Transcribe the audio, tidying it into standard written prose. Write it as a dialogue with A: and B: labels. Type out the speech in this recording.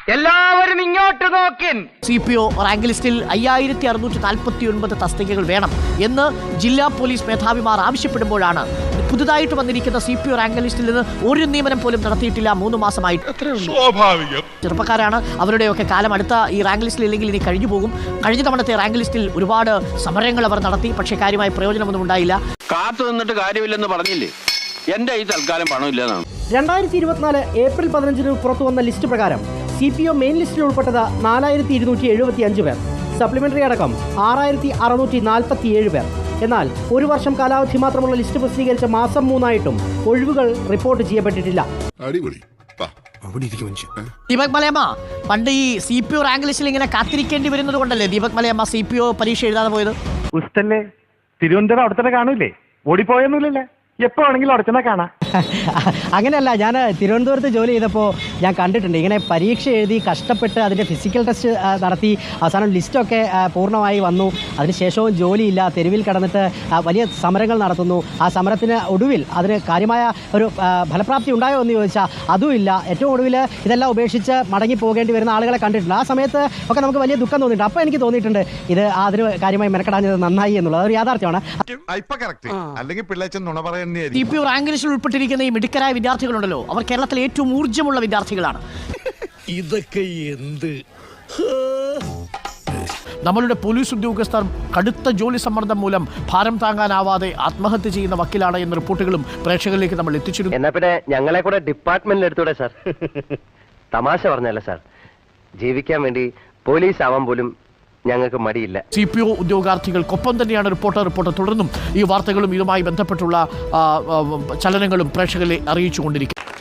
A: എല്ലാവരും ഇങ്ങോട്ട് നോക്കിൻ.
B: CPO rank ലിസ്റ്റിൽ 5649 തസ്തികകൾ വേണം എന്ന് ജില്ലാ പോലീസ് മേധാവിമാർ ആവശ്യപ്പെടുമ്പോഴാണ് പുതുതായിട്ട് വന്നിരിക്കുന്ന CPO റാങ്ക് ലിസ്റ്റിൽ നിന്ന് ഒരു നിയമനം പോലും നടത്തിയിട്ടില്ല. 3 മാസമായിട്ട്. ചെറുപ്പക്കാരാണ്, അവരുടെയൊക്കെ കാലം അടുത്ത ഈ റാങ്ക് ലിസ്റ്റിൽ ഇല്ലെങ്കിൽ ഇനി കഴിഞ്ഞു പോകും. കഴിഞ്ഞ തവണത്തെ റാങ്ക് ലിസ്റ്റിൽ ഒരുപാട് സമരങ്ങൾ അവർ നടത്തി, പക്ഷേ കാര്യമായ പ്രയോജനമൊന്നും ഉണ്ടായില്ല.
C: കാത്തു നിന്നിട്ട് കാര്യമില്ലെന്ന് പറഞ്ഞില്ലേ? എന്റെ ഈ തൽക്കാലം പണമില്ലെന്നാണ്.
D: 2024 ഏപ്രിൽ 15 പുറത്തു വന്ന ലിസ്റ്റ് പ്രകാരം CPO മെയിൻ ലിസ്റ്റിൽ ഉൾപ്പെട്ടത് 4275 പേർ, സപ്ലിമെന്ററി അടക്കം 6647 പേർ. എന്നാൽ ഒരു വർഷം കാലാവധി മാത്രമുള്ള ലിസ്റ്റ് പ്രസിദ്ധീകരിച്ച മാസം 3 ഒഴിവുകൾ റിപ്പോർട്ട് ചെയ്യപ്പെട്ടിട്ടില്ല.
B: ദീപക് മലയമ്മ, പണ്ട് ഈ CPO റാങ്ക് ലിസ്റ്റിൽ ഇങ്ങനെ കാത്തിരിക്കേണ്ടി വരുന്നത് കൊണ്ടല്ലേ ദീപക് മലയമ്മ CPO പരീക്ഷ എഴുതാതെ പോയത്?
E: തിരുവനന്തപുരം അവിടെ തന്നെ കാണൂലേ? ഓടിപ്പോയൊന്നുമില്ലല്ലേ? എപ്പോ ആണെങ്കിലും അവിടെ തന്നെ കാണാം.
D: അങ്ങനെയല്ല, ഞാൻ തിരുവനന്തപുരത്ത് ജോലി ചെയ്തപ്പോൾ ഞാൻ കണ്ടിട്ടുണ്ട് ഇങ്ങനെ പരീക്ഷ എഴുതി കഷ്ടപ്പെട്ട് അതിൻ്റെ ഫിസിക്കൽ ടെസ്റ്റ് നടത്തി അവസാനം ലിസ്റ്റൊക്കെ പൂർണ്ണമായി വന്നു. അതിനുശേഷവും ജോലിയില്ല, തെരുവിൽ കിടന്നിട്ട് വലിയ സമരങ്ങൾ നടത്തുന്നു. ആ സമരത്തിന് ഒടുവിൽ അതിന് കാര്യമായ ഒരു ഫലപ്രാപ്തി ഉണ്ടായോ എന്ന് ചോദിച്ചാൽ അതുമില്ല. ഏറ്റവും ഒടുവിൽ ഇതെല്ലാം ഉപേക്ഷിച്ച് മടങ്ങി പോകേണ്ടി വരുന്ന ആളുകളെ കണ്ടിട്ടുണ്ട്. ആ സമയത്ത് ഒക്കെ നമുക്ക് വലിയ ദുഃഖം തോന്നിയിട്ടുണ്ട്. അപ്പോൾ എനിക്ക് തോന്നിയിട്ടുണ്ട് ഇത് അതിന് കാര്യമായി മെനക്കെടാഞ്ഞത് നന്നായി എന്നുള്ളത് ഒരു യാഥാർത്ഥ്യമാണ്.
B: CPO റാങ്ക് ലിസ്റ്റിൽ ഉൾപ്പെട്ടിരിക്കുന്ന ഈ മിടുക്കരായ വിദ്യാർത്ഥികളുണ്ടല്ലോ, അവർ കേരളത്തിലെ ഏറ്റവും ഊർജ്ജമുള്ള വിദ്യാർത്ഥികളാണ്.
F: ഇതൊക്കെ എന്ത്?
B: നമ്മളുടെ പോലീസ് ഉദ്യോഗസ്ഥർ കടുത്ത ജോലി സമ്മർദ്ദം മൂലം ഭാരം താങ്ങാനാവാതെ ആത്മഹത്യ ചെയ്യുന്ന വക്കീലാണ് എന്ന റിപ്പോർട്ടുകളും പ്രേക്ഷകരിലേക്ക് നമ്മൾ എത്തിച്ചിരുന്നു.
A: എന്നാ പിന്നെ ഞങ്ങളെ കൂടെ ഡിപ്പാർട്ട്മെന്റിൽ എടുത്തൂടെ സാർ? തമാശ പറഞ്ഞല്ല സാർ, ജീവിക്കാൻ വേണ്ടി പോലീസ് ആവാൻ പോലും ഞങ്ങൾക്ക് മടിയില്ല.
B: CPO ഉദ്യോഗാർത്ഥികൾക്കൊപ്പം തന്നെയാണ് റിപ്പോർട്ടർ തുടർന്നും ഈ വാർത്തകളും ഇതുമായി ബന്ധപ്പെട്ടുള്ള ചലനങ്ങളും പ്രേക്ഷകരെ അറിയിച്ചുകൊണ്ടിരിക്കും.